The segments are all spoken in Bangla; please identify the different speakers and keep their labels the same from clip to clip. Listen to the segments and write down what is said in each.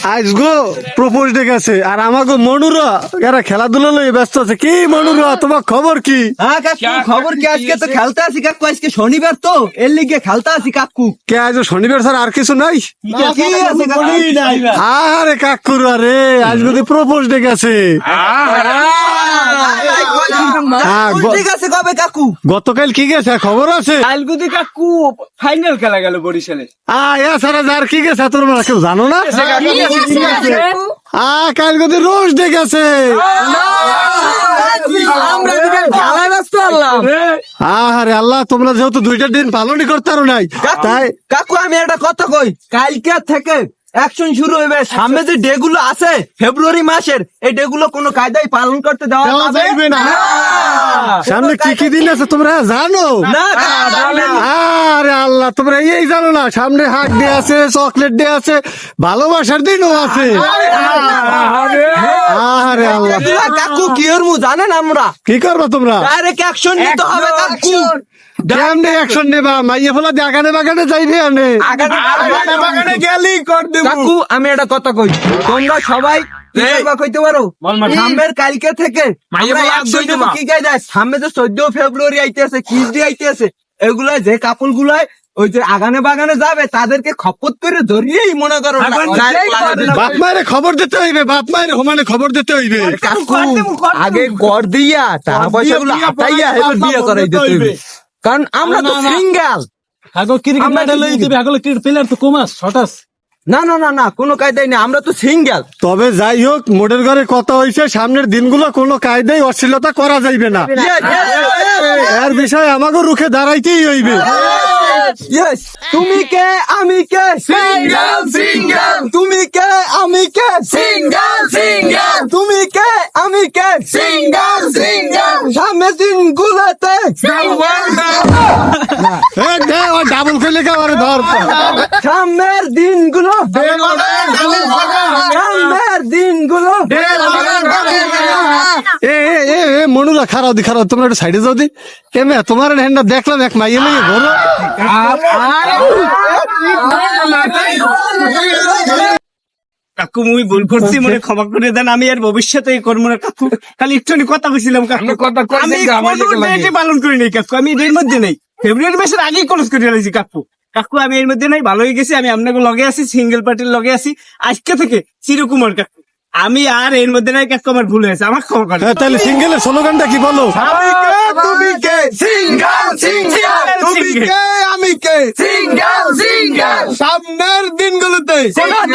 Speaker 1: আজ গো প্রপোজ ডে গেছে আর আমাকে মনুরা এরা খেলাধুলা লই ব্যস্ত আছে। কি মনুরা, তোমার খবর কি?
Speaker 2: হ্যাঁ কাকু, খবর কি? আজকে তো খেলতে আসি কাকু, আজকে শনিবার তো এর লিগে খেলতে আসি কাকু।
Speaker 1: কে আজ শনিবার স্যার আর কিছু নাই?
Speaker 2: কি আছে কাকু?
Speaker 1: আরে কাকুর আরে আজ যদি প্রপোজ ডে গেছে।
Speaker 2: ঠিক আছে কবে কাকু?
Speaker 1: গতকাল কি গেছে খবর আছে?
Speaker 3: কালগুদি কাকু ফাইনাল খেলা গেল বরিশালে।
Speaker 1: এছাড়া যার কি গেছে তোমরা কেউ জানো না? কাল গদি রোজ ডে গেছে।
Speaker 2: আমরা খেলা ব্যস্ত হলাম।
Speaker 1: আরে আল্লাহ, তোমরা যেহেতু দুইটা দিন পালনই করতে পারো নাই তাই
Speaker 2: কাকু আমি একটা কথা কই, কালকে থেকে অ্যাকশন শুরু হবে। সামনে যে ডে গুলো আছে ফেব্রুয়ারি মাসের, এই ডে গুলো কোনো কায়দায় পালন করতে দেওয়া
Speaker 1: যাইবে না। সামনে কি কি দিন আছে তোমরা জানো
Speaker 2: না?
Speaker 1: আরে আল্লাহ, তোমরা এই জানো না? সামনে হাট ডে আছে, চকলেট ডে আছে, ভালোবাসার দিনও আছে। আরে আল্লাহ,
Speaker 2: কাকু কি ওর মু জানেন? আমরা
Speaker 1: কি করবা তোমরা?
Speaker 2: ডাইরেক্ট অ্যাকশন নিতে হবে কাকু।
Speaker 1: কেমনে অ্যাকশন নেবা? মাইয়া ফেলা বাগানে বাগানে যাইবে আনে।
Speaker 2: কাকু আমি একটা কথা কই, তোমরা সবাই কইতে পারো সামনের কালকে থেকে আমরা action নেবো। কি কাজ আছে? সামনে যে 14 ফেব্রুয়ারি আইতেছে, কিস ডে আইতেছে, এগুলা যে কাপল গুলাই ওই যে আগানে বাগানে যাবে তাদেরকে খপত করে ধরিয়েই মনে করো
Speaker 1: বাপ মায়ের খবর দিতে হইবে, বাপ মায়ের সমানে খবর দিতে হইবে।
Speaker 2: কাকু আগে কর দিয়া টাকা পয়সা গুলো হাতাইয়া এবার বিয়ে করাই দিতে হইবে, কারণ আমরা তো সিঙ্গেল। না না না না, কোনো কায়দাই নেই, আমরা তো সিঙ্গেল।
Speaker 1: তবে যাই হোক, মোটের ঘরে কথা হয়েছে সামনের দিনগুলো কোনো কায়দায় অশ্লীলতা করা যাইবে না। এর বিষয়ে আমাকে রুখে দাঁড়াইতেই হইবে।
Speaker 2: তুমি কে আমি কে সিঙ্গেল সিঙ্গেল, তুমি কে আমি কে সিঙ্গেল সিঙ্গেল, তুমি কে আমি কে সিঙ্গেল সিঙ্গেল, সামনের দিনগুলোতে
Speaker 1: ডাবল খেলে কাবারে ধর।
Speaker 2: সামনের দিনগুলো, সামনের দিনগুলো।
Speaker 1: মনুরা খারাপ দি খারাপ, তোমরা একটু সাইডে যাও দি। কেমন তোমার হ্যান্ডা দেখলাম এক মাইয়ে নিয়ে বলো।
Speaker 3: কাকু মুই ভুল করছি, মনে ক্ষমা করে দেন। আমি আর ভবিষ্যতে করবো না কাকু। খালি একটু কথা কইছিলাম কাকু। আমি কোনো ডেটে পালন করি নাই কাকু, আমি এর মধ্যে নেই। ফেব্রুয়ারি মাসের আগেই কলেজ করে ফেলেছি কাকু। কাকু আমি এর মধ্যে নাই, ভালো হয়ে গেছি। আমি আপনাকে লগে আছি, সিঙ্গেল পার্টির লগে আছি আজকে থেকে চিরকুমার কাকু। আমি আর এর মধ্যে নাই কাকু, আমার ভুল হয়েছে, আমার ক্ষমা করেন।
Speaker 1: তাহলে সিঙ্গেলের স্লোগানটা কি বলো?
Speaker 2: তুমি কে সিঙ্গেল সিঙ্গেল, তুমি কে আমি কে সিঙ্গেল সিঙ্গেল, সামনের দিনগুলোতে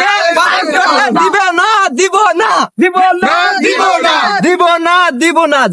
Speaker 2: দিবে না, দিব না, দিব না, দিব না, দিব না, দিব না।